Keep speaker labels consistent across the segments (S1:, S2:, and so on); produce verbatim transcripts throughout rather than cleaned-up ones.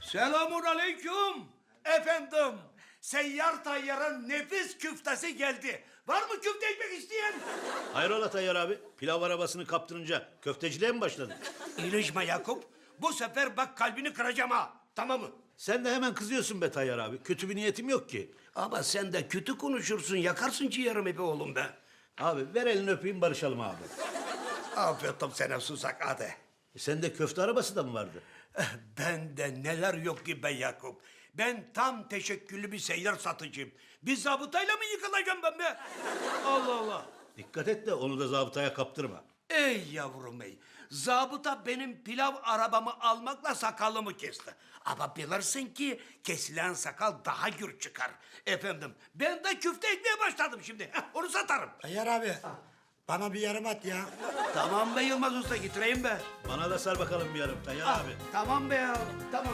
S1: Selamun aleyküm. Efendim, seyyar tayyarın nefis küftesi geldi. Var mı küfte ekmek isteyen?
S2: Hayrola Tayyar abi? Pilav arabasını kaptırınca köfteciliğe mi başladın?
S1: İlişme Yakup. Bu sefer bak kalbini kıracağım ha. Tamam mı?
S2: Sen de hemen kızıyorsun be Tayyar abi. Kötü bir niyetim yok ki.
S1: Ama sen de kötü konuşursun. Yakarsın ciğerimi be oğlum be.
S2: Abi ver elini öpeyim barışalım abi.
S1: Afiyet sana susak hadi.
S2: E sende köfte arabası da mı vardı?
S1: Bende neler yok ki be Yakup. Ben tam teşekküllü bir seyyar satıcıyım. Bir zabıtayla mı yıkılacağım ben be? Allah Allah.
S2: Dikkat et de onu da zabıtaya kaptırma.
S1: Ey yavrum ey. Zabıta benim pilav arabamı almakla sakalımı kesti. Ama bilirsin ki kesilen sakal daha gür çıkar. Efendim ben de küfte ekmeye başladım şimdi. Heh, onu satarım.
S3: Tayyar abi, bana bir yarım at ya.
S1: Tamam be Yılmaz Usta getireyim be.
S2: Bana da sar bakalım bir yarım Tayyar
S1: Ah,
S2: abi.
S1: tamam be ya tamam.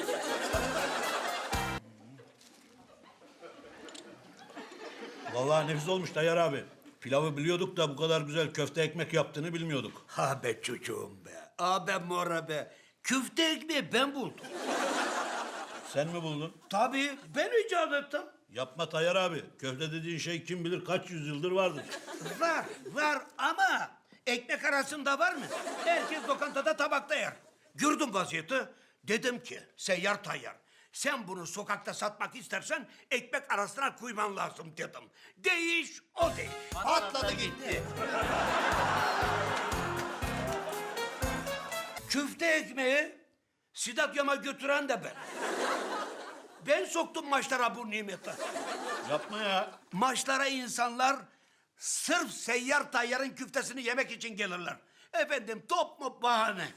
S2: Vallahi nefis olmuş Tayyar abi. Pilavı biliyorduk da bu kadar güzel köfte ekmek yaptığını bilmiyorduk.
S1: Ha be çocuğum be. A be mora be. Küfte ekmeği ben buldum.
S2: Sen mi buldun?
S1: Tabii ben icat ettim.
S2: Yapma Tayyar abi. Köfte dediğin şey kim bilir kaç yüzyıldır vardır.
S1: Var, var ama ekmek arasında var mı? Herkes lokantada tabakta yer. Gördüm vaziyeti. Dedim ki seyyar tayyar. Sen bunu sokakta satmak istersen ekmek arasına koyman lazım dedim. Değiş o değiş.
S3: Patladı gitti.
S1: Küfte ekmeği stadyuma götüren de ben. Ben soktum maçlara bu nimeti.
S2: Yapma ya.
S1: Maçlara insanlar sırf seyyar tayyarın küftesini yemek için gelirler. Efendim top mu bahane.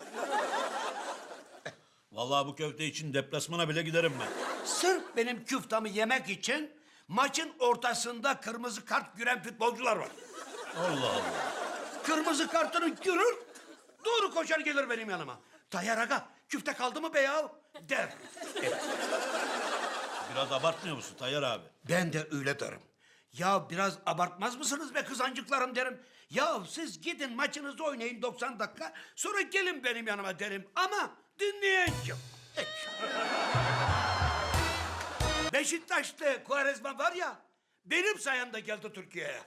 S2: Vallahi bu köfte için deplasmana bile giderim ben.
S1: Sırf benim küftemi yemek için maçın ortasında kırmızı kart gören futbolcular var.
S2: Allah Allah.
S1: Kırmızı kartını görür, doğru koşar gelir benim yanıma. Tayyar aga, küfte kaldı mı be ya? Der.
S2: Biraz abartmıyor musun Tayyar abi?
S1: Ben de öyle derim. Ya biraz abartmaz mısınız be kızancıklarım derim. Ya siz gidin maçınızı oynayın doksan dakika, sonra gelin benim yanıma derim. Ama dinleyen kim? Hiç. Beşiktaş'ta Quaresma var ya, benim sayemde geldi Türkiye'ye.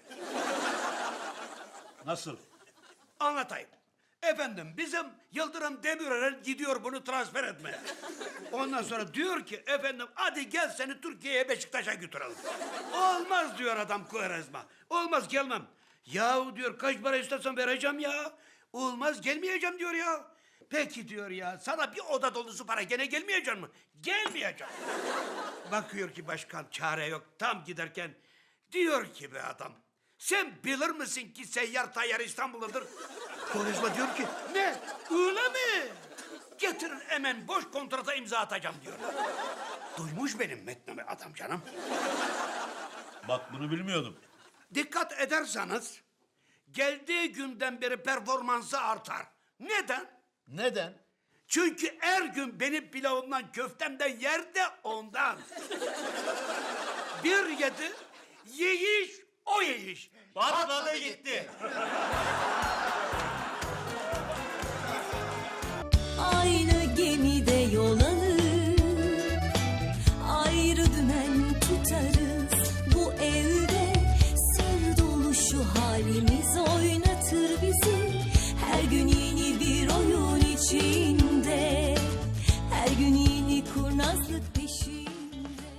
S2: Nasıl?
S1: Anlatayım. Efendim bizim Yıldırım Demirören gidiyor bunu transfer etmeye. Ondan sonra diyor ki efendim hadi gel seni Türkiye'ye Beşiktaş'a götürelim. Olmaz diyor adam Quaresma. Olmaz gelmem. Yahu diyor kaç para istersen vereceğim ya. Olmaz gelmeyeceğim diyor ya. Peki diyor ya sana bir oda dolusu para gene gelmeyecek mi? Gelmeyeceğim. Bakıyor ki başkan çare yok tam giderken diyor ki be adam. Sen bilir misin ki seyyar tayyar İstanbul'dadır? Konuşma diyor ki ne öyle mi? Getirin hemen boş kontrata imza atacağım diyor. Duymuş benim metnimi adam canım.
S2: Bak bunu bilmiyordum.
S1: Dikkat ederseniz geldiği günden beri performansı artar. Neden?
S2: Neden?
S1: Çünkü her gün benim pilavımdan köftemden yer de ondan. Bir yedi, yiyiş o yiyiş.
S3: Patladı gitti.
S4: Aynı gemide yol alır, ayrı dümen tutarız. Bu evde sır dolu şu halimiz oynatır bizi. Her gün yeni bir oyun içinde, her gün yeni kurnazlık.